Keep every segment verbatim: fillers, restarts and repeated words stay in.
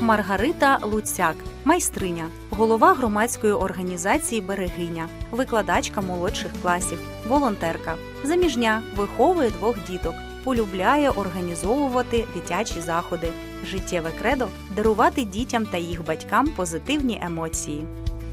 Маргарита Луцяк, майстриня, голова громадської організації «Берегиня», викладачка молодших класів, волонтерка. Заміжня, виховує двох діток, полюбляє організовувати дитячі заходи. Життєве кредо – дарувати дітям та їх батькам позитивні емоції.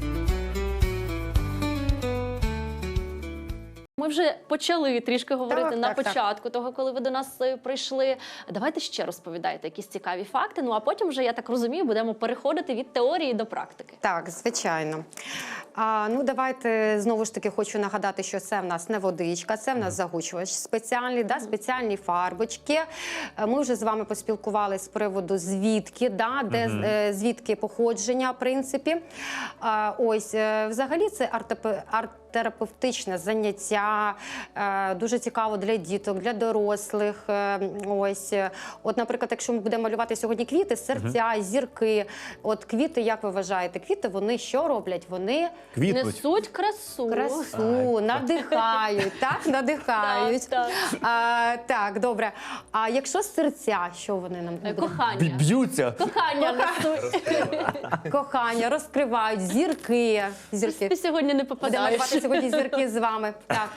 Ми вже почали трішки говорити так, на так, початку так. того, коли ви до нас е, прийшли. Давайте ще розповідайте якісь цікаві факти, ну а потім вже, я так розумію, будемо переходити від теорії до практики. Так, звичайно. А, ну, давайте, знову ж таки, хочу нагадати, що це в нас не водичка, це в нас загучувач спеціальний, да, спеціальні фарбочки. Ми вже з вами поспілкувалися з приводу звідки, да, де, Мгм. е, звідки походження, в принципі. А, ось, е, взагалі, це арт-терапевтичне терапевтичне заняття, е, дуже цікаво для діток, для дорослих. Е, ось, от, наприклад, якщо ми будемо малювати сьогодні квіти, серця, зірки. От квіти, як ви вважаєте, квіти, вони що роблять? Вони Квітнуть. Несуть красу. красу, надихають, так? Надихають. Так, А, так, добре. А якщо серця, що вони нам Е, будуть? Кохання. Б'ються. Кохання несуть. Кохання, розкривають, зірки. Ти Зірки. сьогодні не Будемо попадаєш. малювати сьогодні зірки з вами. Так.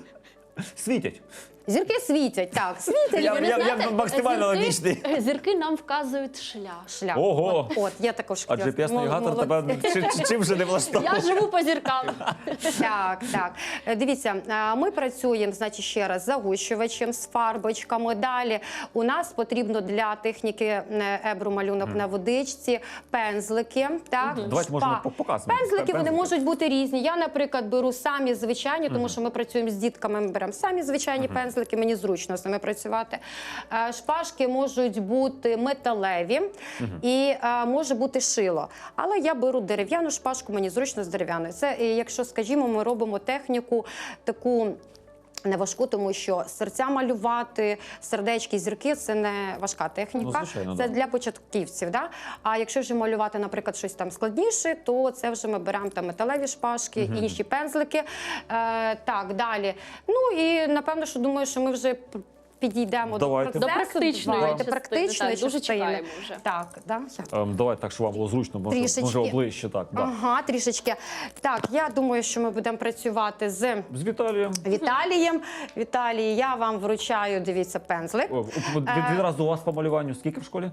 Світять. Зірки світять, так, світять. Я- Ви я- знаєте, максимально зірки- логічний. Зірки нам вказують шлях. Шлях. Ого. От, от, я також А джі пі ес-навігатор Молодці. тебе чи- чи- чим вже не влаштовує? Я живу по зіркам. Так, так. Е, Дивіться, е, ми працюємо, значить, ще раз з загущувачем, з фарбочками. Далі у нас потрібно для техніки е, ебру малюнок на водичці пензлики. Так, Давайте, шпа. можемо по- показувати. Пензлики, вони Пензлики. можуть бути різні. Я, наприклад, беру самі звичайні, тому що ми працюємо з дітками, ми беремо самі звичайні пензлики, мені зручно з ними працювати. Е, Шпажки можуть бути металеві і е, може бути шило. Але я беру дерев'яну шпажку, мені зручно з дерев'яною. Це, е, якщо, скажімо, ми робимо техніку таку не важку, тому що серця малювати, сердечки, зірки – це не важка техніка. Ну, звичайно, це да. для початківців. Да? А якщо вже малювати, наприклад, щось там складніше, то це вже ми беремо там металеві шпажки, інші пензлики. Е, так, далі. Ну і напевно, що думаю, що ми вже п- підійдемо Давайте. до До процесу. практичної Давайте, частини, практичної так, дуже частини. чекаємо вже. Так, да? Ем, Давайте так, щоб вам було зручно, може, Трішечки. може оближче так. Да. Ага, трішечки. Так, я думаю, що ми будемо працювати з З Віталієм. Віталієм. Віталій, я вам вручаю, дивіться, пензлик. О, від- Відразу у вас по малюванню скільки в школі?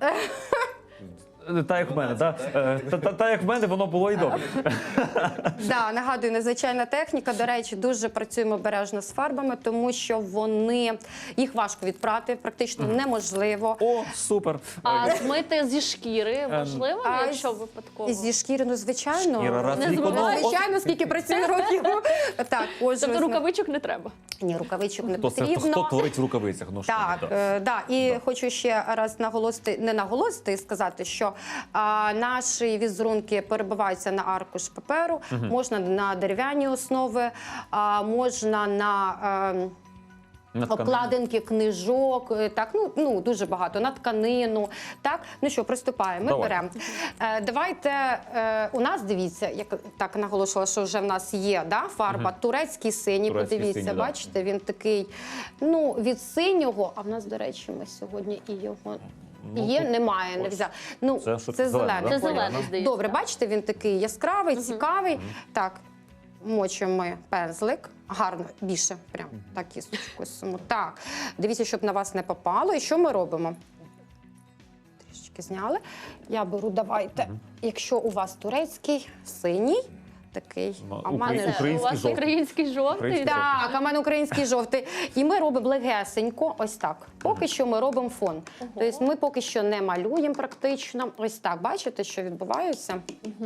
Та як в мене, так? Та, та, та як в мене, воно було і добре. Да, нагадую, незвичайна техніка. До речі, дуже працюємо обережно з фарбами, тому що вони їх важко відпрати, практично неможливо. О, супер. А змити зі шкіри можливо, а якщо з- випадково? Зі шкіри, ну звичайно. Шкіра раз Не в рік забувайте. одного- Ну, звичайно, скільки працює років. Так, ось Тобто ось ми- рукавичок не треба. Ні, рукавичок не Хто, це, потрібно. хто творить в рукавицях? Ну, що Так, ви, е, да. І хочу ще раз наголосити, не наголосити і сказати, що а, наші візерунки перебиваються на аркуш паперу, можна на дерев'яні основи, а, можна на... е, На тканину. Обкладинки книжок, е, так, ну, ну дуже багато, на тканину. Так, ну що, приступаємо, ми Давай. беремо. Е, давайте, е, у нас, дивіться, як так наголошувала, що вже в нас є да, фарба, турецький синій, Турецький подивіться, синій, да. бачите, він такий, ну, від синього, а в нас, до речі, ми сьогодні і його... Ну, Є, тут немає, не ось. взяв. Ну, Це це, що, це зелений, зелений. да? Це колір. зелений, здається. Добре, бачите, він такий яскравий, цікавий. Так, мочимо ми пензлик. Гарно, більше, прям так кісточкою саму. Так, дивіться, щоб на вас не попало. І що ми робимо? Трішечки зняли. Я беру, давайте, якщо у вас турецький, синій, такий, Ну, а в мене... український. Це у вас жовтий. український жовтий. Український Так, а в мене український жовтий. І ми робимо легесенько, ось так. Поки що ми робимо фон. Тобто ми поки що не малюємо практично. Ось так, бачите, що відбувається?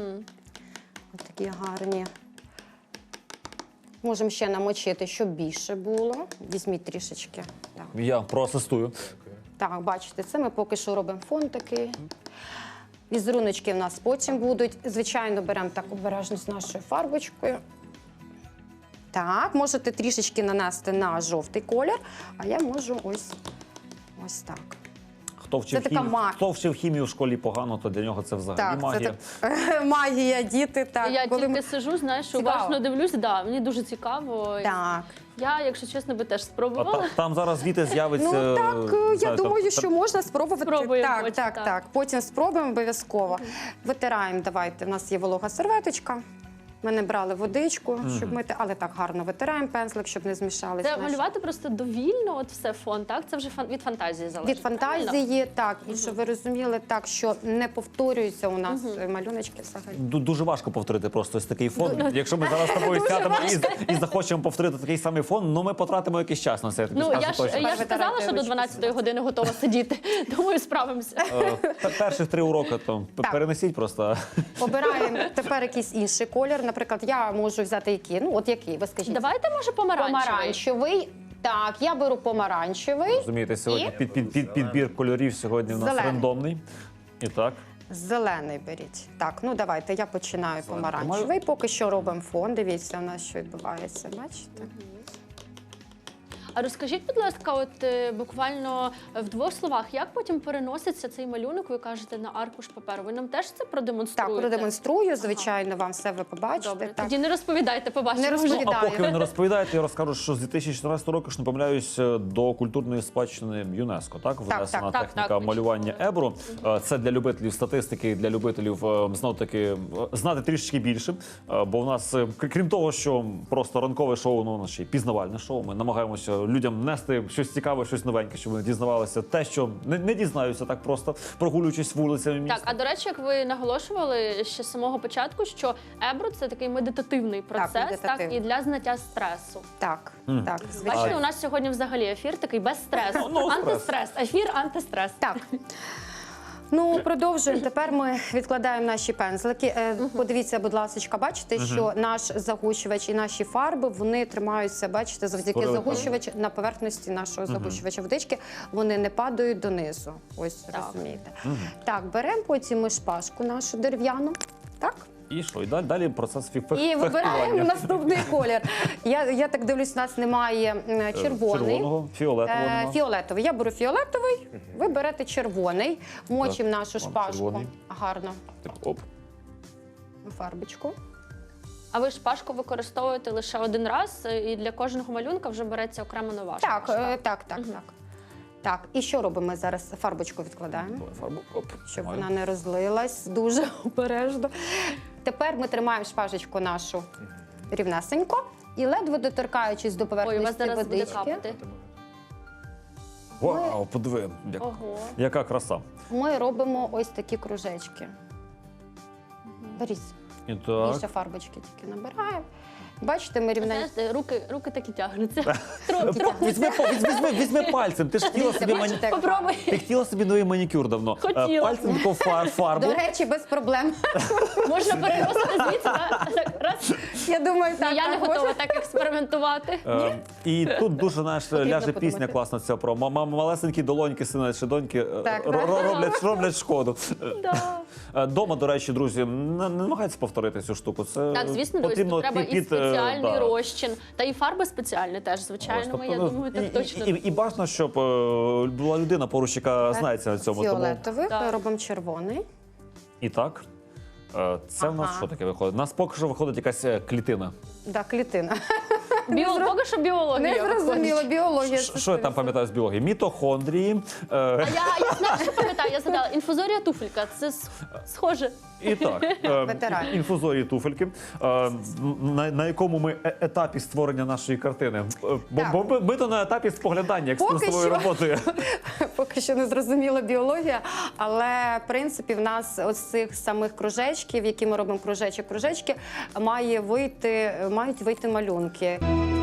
Ось такі гарні. Можемо ще намочити, щоб більше було. Візьміть трішечки. Так. Я проасистую. Так, бачите, це ми поки що робимо фон такий. Візеруночки в нас потім будуть. Звичайно, беремо так обережно з нашою фарбочкою. Так, можете трішечки нанести на жовтий колір, а я можу ось, ось так. Хто вчив, Це така хімію, ма- хто вчив хімію в школі погано, то для нього це взагалі Так, магія. це так. Магія, діти. Так, Я коли тільки ми- сиджу, знаєш, Цікаво. уважно дивлюсь, да, мені дуже цікаво. Так. Я, якщо чесно, би теж А спробувала. та- там зараз звідти з'явиться. Ну так, е, е, я знаю, думаю, там- що можна спробувати. Спробуємо так, потім, так, так. так. Потім спробуємо обов'язково. Витираємо, давайте. У нас є волога серветочка. Ми не брали водичку, щоб мити, але так гарно витираємо пензлик, щоб не змішалися. Це малювати просто довільно, от все фон, так? Це вже фан- від фантазії залежить. Від фантазії, так, і щоб ви розуміли, так, що не повторюються у нас е, малюночки взагалі. Ду- Дуже важко повторити просто ось такий фон. Якщо ми зараз з тобою Дуже сядемо і, важко. і захочемо повторити такий самий фон, ну ми потратимо якийсь час на це. Я тобі Ну, скажу я ж, точно. я ж Витирати сказала, що до ручки дванадцятої години готова сидіти. Думаю, справимося. Е, пе- Перших три уроки там п- Так. перенесіть просто. Обираємо тепер якийсь інший колір. Наприклад, я можу взяти який, ну от який, ви скажіть. Давайте, може, помаранчевий. Помаранчевий. Так, я беру помаранчевий. Розумієте, сьогодні І? під, під, під, підбір кольорів сьогодні у нас Зелений. рандомний. І так. Зелений беріть. Так, ну давайте, я починаю помаранчевий. Поки що робимо фон. Дивіться, у нас що відбувається. Бачите? А розкажіть, будь ласка, от е, буквально в двох словах, як потім переноситься цей малюнок, ви кажете, на аркуш паперу? Ви нам теж це Так, продемонструєте? продемонструю, звичайно, вам все ви побачите. Добре, Так. тоді не розповідайте, побачимо. Не вже. розповідайте. Ну, а Вітаю. поки ви не розповідаєте, я розкажу, що з дві тисячі чотирнадцятого року, ж не помиляюсь, до культурної спадщини ЮНЕСКО, так? Внесена так, техніка так, ви малювання читали. Ебру. Е, Це для любителів статистики, для любителів е, знов-таки е, знати трішечки більше. Е, Бо в нас, е, кр- крім того, що просто ранкове шоу, ну, наше пізнавальне шоу, ми намагаємося людям нести щось цікаве, щось новеньке, щоб вони дізнавалися те, що не, не дізнаються так просто, прогулюючись вулицями міста. Так, а до речі, як ви наголошували ще з самого початку, що ебро це такий медитативний процес, так, медитативний. і для зняття стресу. Так, Мгм. так, Бачите, звичайно. у нас сьогодні взагалі ефір такий без стресу. Ну, ну, стрес. Антистрес, ефір антистрес. Так. Ну, продовжуємо. Тепер ми відкладаємо наші пензлики. Е, Подивіться, будь ласка, бачите, що наш загущувач і наші фарби, вони тримаються, бачите, завдяки Створили загущувачу на поверхності нашого загущувача водички, вони не падають донизу. Ось, Так. розумієте. Так, беремо потім ми шпажку нашу дерев'яну. Так? І що? І далі, далі процес фі- І фехтування. вибираємо наступний колір. Я, я так дивлюсь, у нас немає е, червоний. Червоного, фіолетового. Е, нема. Фіолетовий. Я беру фіолетовий, ви берете червоний, мочимо Так, нашу вам шпажку. червоний. Гарно. Так, оп. Фарбочку. А ви шпажку використовуєте лише один раз, і для кожного малюнка вже береться окремо нова Так, шпажка? е, так, так, так. Так, і що робимо? Ми зараз фарбочку відкладаємо, Давай фарбу. Оп. щоб Нормально. вона не розлилась дуже обережно. Тепер ми тримаємо шпажечку нашу рівнесенько і ледве доторкаючись до Ой, у поверхності вас зараз буде водички, капати. Вау, подиви, як, Ого. яка краса. ми робимо ось такі кружечки. Беріть, І так. більше фарбочки тільки набираємо. Бачите, ми рівненько. Знаєте, руки, руки так і тягнуться. Трохи, трохи. Візьми, по- візьми, візьми, візьми пальцем. Ти ж хотіла собі мані... Бачите, як Попробуй. Ти хотіла собі новий манікюр давно. Е, Хотіла. Пальцем таку фар, фарбу. До речі, без проблем. Можна переносити звідси, так? Так, раз. Я думаю, так. Ні, я не так, готова можна. так експериментувати. Е, І тут дуже знаєш, Потрібно ляже подумати. пісня класна ця про ма- ма- малесенькі долоньки, сина чи доньки е, Так, ро- так. ро- роблять, роблять шкоду. Да. Е, Дома, до речі, друзі, не, не намагайтеся повторити цю штуку. Це Так, звісно, друзі, потрібно тут треба під- і під, е, спеціальний да. розчин, та і фарби спеціальні теж, звичайно. Ось, тобто, я ну, думаю, і, так точно. І, і, і бажано, щоб е, була людина поруч, яка знається на цьому. Тому... Фіолетовий, Так. робимо червоний. І так, е, це в нас Ага. що таке виходить? У нас поки що виходить якась е, клітина. Да, клітина. Біо... Поки що біологія. Не зрозуміло, виходить. біологія. Ш- Що я там пам'ятаю з біології? Мітохондрії. А Е, я, я знаю, що пам'ятаю, я згадала. Інфузорія туфелька. Це с- схоже. і так, е, Ветеран. інфузорії туфельки, е, на, на якому ми е- етапі створення нашої картини. Е, Бо, Так. бо ми, ми то на етапі споглядання Поки екскурсової що. роботи. Поки що не зрозуміла біологія, але в принципі в нас ось цих самих кружечків, які ми робимо кружечок-кружечки, має вийти, мають вийти малюнки.